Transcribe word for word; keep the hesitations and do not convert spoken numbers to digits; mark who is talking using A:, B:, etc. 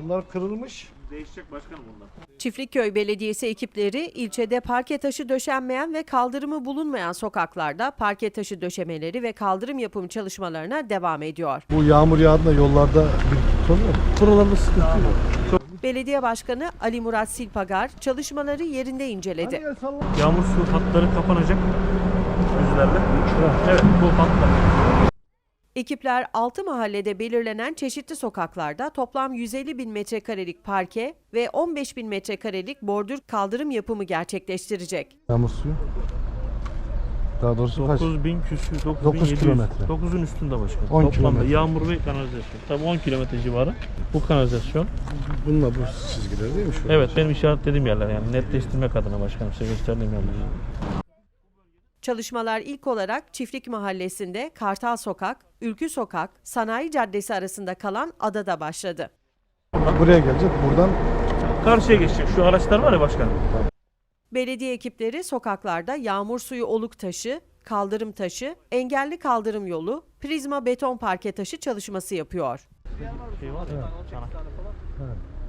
A: Bunlar kırılmış.
B: Değişecek başkanım bunlar.
C: Çiftlikköy Belediyesi ekipleri ilçede parke taşı döşenmeyen ve kaldırımı bulunmayan sokaklarda parke taşı döşemeleri ve kaldırım yapım çalışmalarına devam ediyor.
A: Bu yağmur yağdığında yollarda bir tutuyor. Buralarda sıkıntı yok.
C: Belediye Başkanı Ali Murat Silpagar çalışmaları yerinde inceledi.
B: Yağmur su hatları kapanacak yüzlerle. Evet, bu hatlar.
C: Ekipler altı mahallede belirlenen çeşitli sokaklarda toplam yüz elli bin metrekarelik parke ve on beş bin metrekarelik bordür kaldırım yapımı gerçekleştirecek.
A: Yağmur suyu. Daha doğrusu kaç?
B: dokuz bin küsür, dokuz bin
A: dokuz
B: yedi yüz.
A: kilometre.
B: dokuzun üstünde başkanım.
A: on
B: Toplamda
A: kilometre.
B: yağmur ve kanalizasyon. Tabii on kilometre civarı bu kanalizasyon.
A: Bununla bu çizgiler değil mi şu?
B: Evet, benim işaretlediğim yerler yani netleştirmek adına başkanım size gösterdiğim yerler.
C: Çalışmalar ilk olarak Çiftlik Mahallesi'nde Kartal Sokak, Ülkü Sokak, Sanayi Caddesi arasında kalan adada başladı.
A: Buraya gelecek, buradan
B: Karşıya geçecek şu araçlar var ya başkanım.
C: Belediye ekipleri sokaklarda yağmur suyu oluk taşı, kaldırım taşı, engelli kaldırım yolu, prizma beton parke taşı çalışması yapıyor.
B: Şey var ya, çanak.
A: evet.